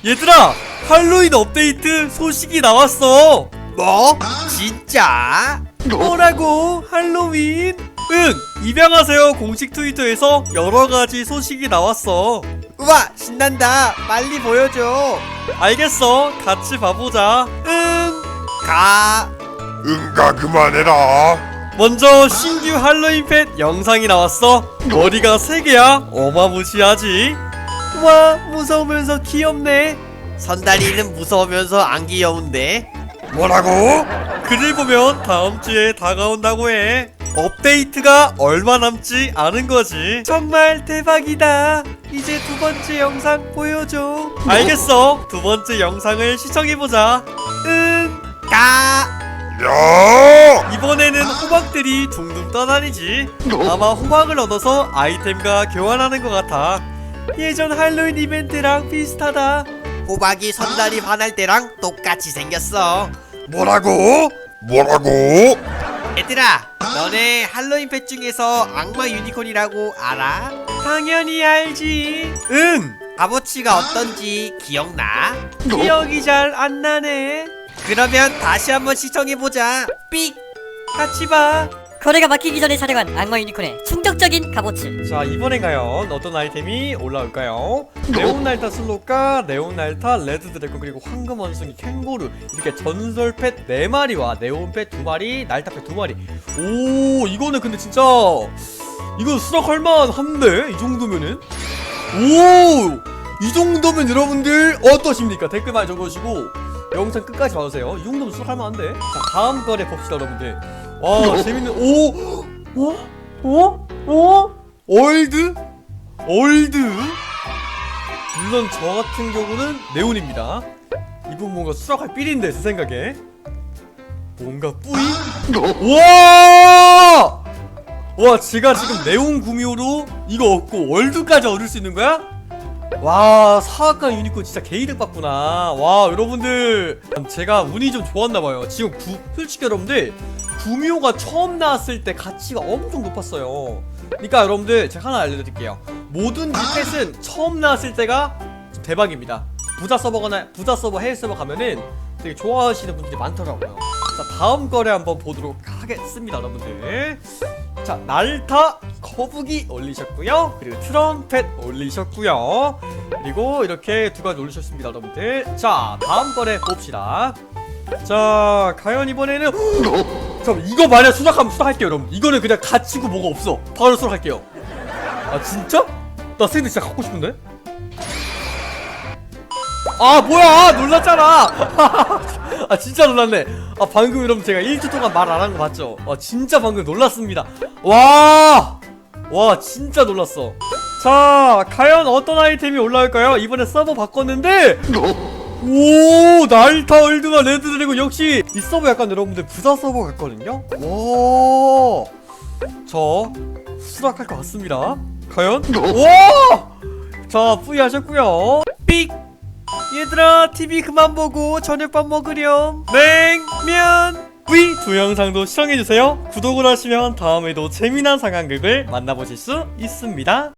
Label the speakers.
Speaker 1: 얘들아, 할로윈 업데이트 소식이 나왔어.
Speaker 2: 뭐? 진짜?
Speaker 1: 뭐라고? 할로윈? 응, 입양하세요 공식 트위터에서 여러가지 소식이 나왔어.
Speaker 2: 우와 신난다. 빨리 보여줘.
Speaker 1: 알겠어, 같이 봐보자. 응.
Speaker 2: 가.
Speaker 3: 응가 그만해라.
Speaker 1: 먼저 신규 할로윈 펫 영상이 나왔어. 머리가 3개야. 어마무시하지? 와, 무서우면서 귀엽네.
Speaker 2: 선달이는 무서우면서 안 귀여운데.
Speaker 3: 뭐라고?
Speaker 1: 글을 보면 다음주에 다가온다고 해. 업데이트가 얼마 남지 않은 거지. 정말 대박이다. 이제 2번째 영상 보여줘. 알겠어, 2번째 영상을 시청해보자. 응.
Speaker 2: 가.
Speaker 3: 야!
Speaker 1: 이번에는 호박들이 둥둥 떠다니지. 아마 호박을 얻어서 아이템과 교환하는 것 같아. 예전 할로윈 이벤트랑 비슷하다.
Speaker 2: 호박이 선달이 반할 때랑 똑같이 생겼어.
Speaker 3: 뭐라고? 뭐라고?
Speaker 2: 얘들아, 너네 할로윈 펫 중에서 악마 유니콘이라고 알아?
Speaker 1: 당연히 알지. 응.
Speaker 2: 값어치가 어떤지 기억나?
Speaker 1: 기억이 잘 안 나네.
Speaker 2: 그러면 다시 한번 시청해보자. 삑!
Speaker 1: 같이 봐.
Speaker 4: 거래가 막히기 전에 촬영한 악마 유니콘의 충격적인 값어치.
Speaker 1: 자, 이번엔 과연 어떤 아이템이 올라올까요? 네온날타 슬롯과 네온날타 레드 드래곤 그리고 황금 원숭이 캥거루, 이렇게 전설 펫 4마리와 네온 펫 2마리, 날타 펫 2마리. 오, 이거는 근데 진짜 이거 수락할만 한데? 이 정도면은? 오! 이 정도면 여러분들 어떠십니까? 댓글 많이 적어주시고 영상 끝까지 봐주세요. 이 정도면 수락할만 한데? 자, 다음 거래 봅시다 여러분들. 와, 재밌는. 오! 올드? 물론 저 같은 경우는 네온입니다. 이분 뭔가 수락할 삘인데 제 생각에 뭔가 뿌이? 와! 와, 제가 지금 네온 구미호로 이거 얻고 월드까지 얻을 수 있는 거야? 와, 사악한 유니콘 진짜 개이득 받구나. 와, 여러분들 제가 운이 좀 좋았나봐요. 지금 솔직히 여러분들 구미호가 처음 나왔을 때 가치가 엄청 높았어요. 그러니까 여러분들 제가 하나 알려드릴게요. 모든 펫은 처음 나왔을 때가 좀 대박입니다. 부자 서버 해외 서버 가면은 되게 좋아하시는 분들이 많더라고요. 자, 다음 거래 한번 보도록 하겠습니다 여러분들. 자, 날타 거북이 올리셨고요, 그리고 트럼펫 올리셨고요, 그리고 이렇게 2가지 올리셨습니다 여러분들. 자, 다음 거래 봅시다. 자, 과연 이번에는 잠깐, 이거 만약 수락하면 수락할게요 여러분. 이거는 그냥 갇히고 뭐가 없어. 바로 수락할게요. 아 진짜? 나 샌드 진짜 갖고 싶은데? 아 뭐야, 놀랐잖아. 아 진짜 놀랐네. 아 방금 여러분 제가 1초 동안 말 안 한 거 봤죠? 아 진짜 방금 놀랐습니다. 와 진짜 놀랐어. 자, 과연 어떤 아이템이 올라올까요? 이번에 서버 바꿨는데 오, 날타 월드와 레드 드래곤. 역시 이 서버 약간 여러분들 부자 서버 같거든요. 와, 저 수락할 것 같습니다. 과연? 와, 자, 뿌이 하셨고요. 삑. 얘들아, TV 그만 보고 저녁밥 먹으렴. 냉면. 뿌이. 2영상도 시청해주세요. 구독을 하시면 다음에도 재미난 상황극을 만나보실 수 있습니다.